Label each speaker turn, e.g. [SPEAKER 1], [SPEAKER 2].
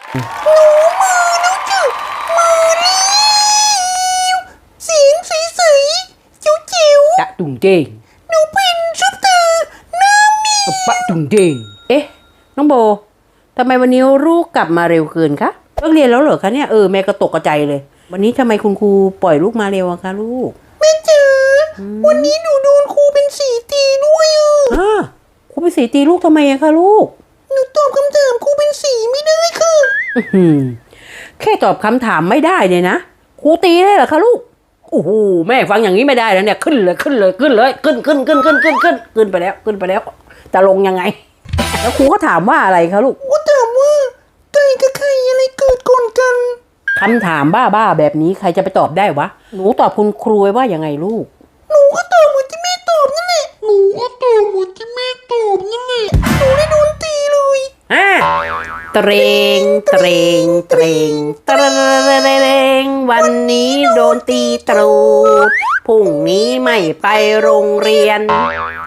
[SPEAKER 1] หนูมือแล้วจ้ะมือแล้วเสียงใสๆจิ๋ว
[SPEAKER 2] ตะตุ่งเจง
[SPEAKER 1] ๆหนูเป็นซุปตาน้ำมี
[SPEAKER 2] ปะตุ่งเจงเอ๊ะน้องโบทำไมวันนี้ลูกกลับมาเร็วเกินคะเลิกเรียนแล้วเหรอคะเนี่ยแม่ก็ตกใจเลยวันนี้ทำไมคุณครูปล่อยลูกมาเร็วอะคะลูก
[SPEAKER 1] แม่จ๋าวันนี้หนูโดนครูเป็นสีตีด้วย
[SPEAKER 2] ครูไปสีตีลูกทำไมอะคะลูก
[SPEAKER 1] หนูตอบคำถามครูเป็นสีไม่ได้ค่ะ
[SPEAKER 2] แค่ตอบคำถามไม่ได้เลยนะครูตีได้เหรอคะลูกโอ้โหแม่ฟังอย่างนี้ไม่ได้แล้วเนี่ยขึ้นเลยขึ้นไปแล้วจะลงยังไงแล้วครูก็ถามว่าอะไรคะลูก
[SPEAKER 1] ครูถามว่าไก่กับไข่อะไรเกิดก่อนกัน
[SPEAKER 2] คำถามบ้าๆแบบนี้ใครจะไปตอบได้วะหนูตอบคุณครูไว้ว่ายังไงลูก
[SPEAKER 1] หนูก็ตอบเหมือนที่แม่ตอบนั่นแหละหนูก็ตอบเหมือนที่แม่ตอบนั่นแหละหนูได้โดนตีเลย
[SPEAKER 2] เตรงเตรงเตรงเตรงวันนี้โดนตีตรูดพรุ่งนี้ไม่ไปโรงเรียน